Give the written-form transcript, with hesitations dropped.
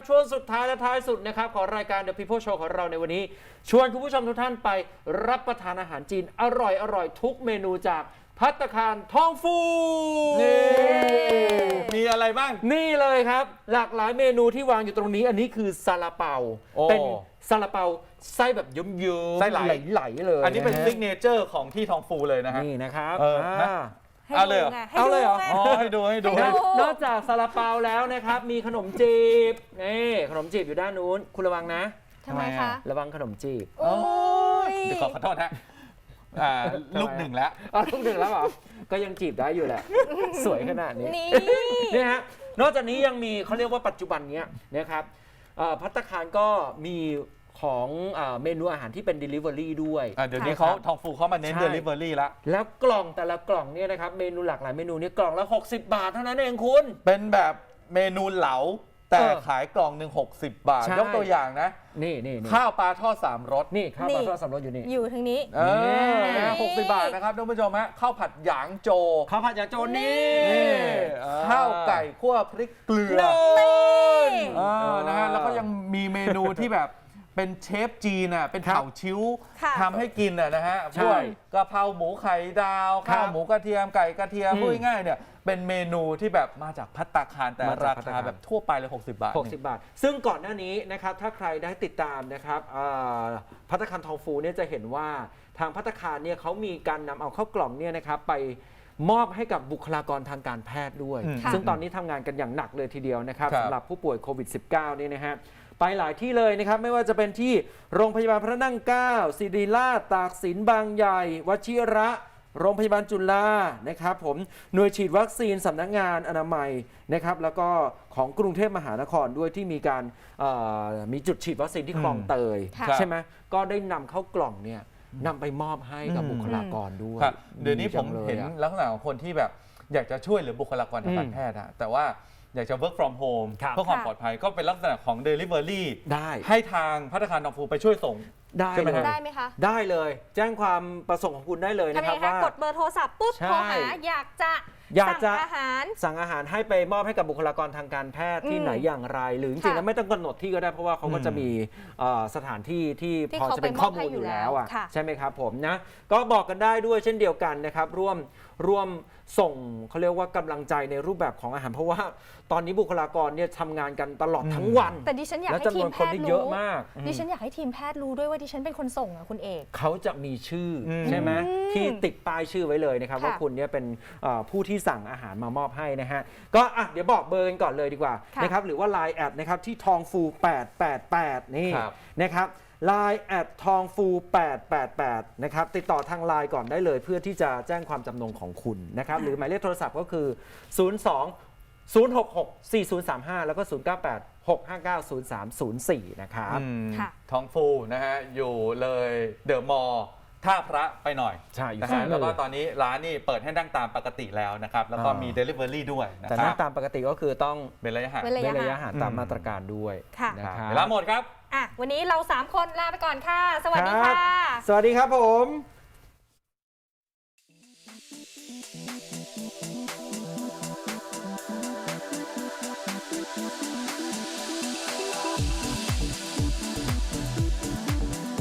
ช่วงสุดท้ายและท้ายสุดนะครับของรายการ The People Show ของเราในวันนี้ชวนคุณผู้ชมทุกท่านไปรับประทานอาหารจีนอร่อยทุกเมนูจากภัตตาคารทองฟูมีอะไรบ้างนี่เลยครับหลากหลายเมนูที่วางอยู่ตรงนี้อันนี้คือซาลาเปาเป็นซาลาเปาไส้แบบเยิ้มๆไส้ไหลๆเลยอันนี้เป็นซิกเนเจอร์ของที่ทองฟูเลยนะฮะนี่นะครับเอาเลยเหรอให้ดูนอกจากซาลาเปาแล้วนะครับมีขนมจีบนี่ขนมจีบอยู่ด้านนู้นคุณระวังนะทำไมคะระวังขนมจีบเดี๋ยวขอโทษฮะลูกหนึ่งแล้วลูกหนึ่งแล้วเหรอก็ยังจีบได้อยู่แหละสวยขนาดนี้นี่ฮะนอกจากนี้ยังมีเขาเรียกว่าปัจจุบันนี้นะครับภัตตาคารก็มีของเมนูอาหารที่เป็น Delivery ด้วยเดี๋ยวนี้เขาทองฟูเขามาเน้น Delivery แล้วกล่องแต่ละกล่องเนี่ยนะครับเมนูหลากหลายเมนูนี้กล่องละ60 บาทเท่านั้นเองคุณเป็นแบบเมนูเหลาแต่ขายกล่องหนึ่ง60 บาทยกตัวอย่างนะนี่ข้าวปลาทอด3รสนี่ข้าวปลาทอด3รสอยู่นี่อยู่ทางนี้ 60 บาทนะครับท่านผู้ชมฮะข้าวผัดหยางโจนี่ข้าวไก่คั่วพริกเกลือนะฮะแล้วก็ยังมีเมนูที่แบบเป็นเชฟจีนเป็นเผาชิ้วทำให้กินนะฮะพวกกะเพราหมูไข่ดาวข้าวหมูกระเทียมไก่กระเทียมพูดง่ายๆเนี่ยเป็นเมนูที่แบบมาจากภัตตาคารแต่ราคาแบบทั่วไปเลย60 บาทซึ่งก่อนหน้านี้นะครับถ้าใครได้ติดตามนะครับภัตตาคารทองฟูเนี่ยจะเห็นว่าทางภัตตาคารเนี่ยเขามีการนำเอาเข้ากล่องเนี่ยนะครับไปมอบให้กับบุคลากรทางการแพทย์ด้วยซึ่งตอนนี้ทำงานกันอย่างหนักเลยทีเดียวนะครับสำหรับผู้ป่วยโควิด -19 เนี่ยนะฮะไปหลายที่เลยนะครับไม่ว่าจะเป็นที่โรงพยาบาลพระนั่งเกล้าศิริราชตากสินบางใหญ่วชิระโรงพยาบาลจุฬานะครับผมหน่วยฉีดวัคซีนสำนักงานอนามัยนะครับแล้วก็ของกรุงเทพมหานครด้วยที่มีการมีจุดฉีดวัคซีนที่คลองเตยใช่ไหมก็ได้นำเข้ากล่องเนี่ยนำไปมอบให้กับบุคลากรด้วยเดี๋ยวนี้ผมเห็นลักษณะของคนที่แบบอยากจะช่วยเหลือบุคลากรทางการแพทย์แต่ว่าอยากจะ work from home เพื่อความปลอดภัยก็เป็นลักษณะของ delivery ได้ให้ทางภัตตาคารทองฟูไปช่วยส่งได้ไหมคะได้เลยแจ้งความประสงค์ของคุณได้เลยนะครับว่ากดเบอร์โทรศัพท์ปุ๊บโทรหาอยากจะสั่งอาหารให้ไปมอบให้กับบุคลากรทางการแพทย์ที่ไหนอย่างไรหรือจริงๆแล้วไม่ต้องกำหนดที่ก็ได้เพราะว่าเขาก็จะมีสถานที่ที่พอจะเป็นข้อมูลอยู่แล้วใช่ไหมครับผมนะก็บอกกันได้ด้วยเช่นเดียวกันนะครับร่วมส่งเขาเรียกว่ากำลังใจในรูปแบบของอาหารเพราะว่าตอนนี้บุคลากรเนี่ยทำงานกันตลอดทั้งวันแต่ดิฉันอยากให้ทีมแพทย์รู้ดิฉันอยากให้ทีมแพทย์รู้ด้วยว่าดิฉันเป็นคนส่งคุณเอกเขาจะมีชื่อใช่ไหมที่ติดป้ายชื่อไว้เลยนะครับว่าคุณเนี่ยเป็นผู้ที่สั่งอาหารมามอบให้นะฮะก็เดี๋ยวบอกเบอร์กันก่อนเลยดีกว่านะครับหรือว่า Line แอดนะครับที่ทองฟู888นี่นะครับLine แอดทองฟู888นะครับติดต่อทาง Line ก่อนได้เลยเพื่อที่จะแจ้งความจำนงของคุณนะครับหรือหมายเลขโทรศัพท์ก็คือ02-066-4035แล้วก็098-659-0304นะครับทองฟูนะฮะอยู่เลยเดอะมอลล์ท่าพระไปหน่อยใช่นะฮะแล้วก็ตอนนี้ร้านนี่เปิดให้นั่งตามปกติแล้วนะครับแล้วก็มี Delivery ด้วยนะครับแต่นั่งตามปกติก็คือต้องเป็นระยะห่างตามมาตรการด้วยนะครับเวลาหมดครับวันนี้เรา3คนลาไปก่อนค่ะสวัสดีค่ะสวัสดีครับผม